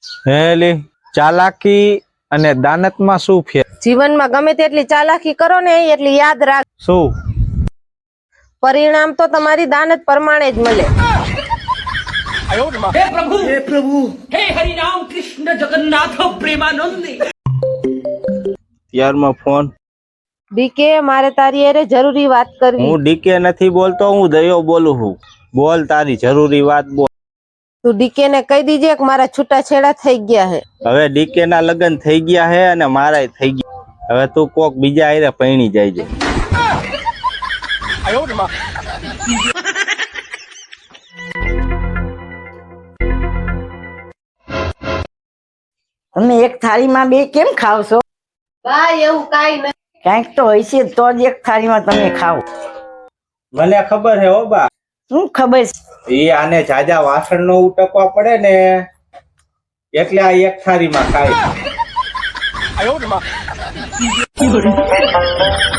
હેલી ચાલાકી અને દાનતમાં શું ફેર? જીવનમાં ગમે તેટલી ચાલાકી કરો ને એટલી યાદ રાખ, શું? પરિણામ તો તમારી દાનત પ્રમાણે જ મળે। हे प्रभु हे हरि राम कृष्ण जगन्नाथ प्रेमानंद। યારમાં ફોન। ડીકે, મારે તારી હારે જરૂરી વાત કરવી। હું ડીકે નથી બોલતો, હું દયો બોલું છું। બોલ, તારી જરૂરી વાત બોલ। તું ડીકે ને કહી દીજે કે મારા છૂટાછેડા થઈ ગયા છે। હવે ડીકે ના લગ્ન થઈ ગયા હે અને મારાય થઈ ગયા। હવે તું કોક બીજા હારે પૈણી જાય છે। તમે એક થાળીમાં બે કેમ ખાવ છો? ભાઈ એવું કાઈ નહીં। ક્યાંક તો હોય છે તો જ એક થાળીમાં તમે ખાવ। મને ખબર હે હો બા, શું ખબર છે? એ આને જાજા વાસણ નો ઉટકવા પડે ને એટલે આ એક થાળીમાં ખાય।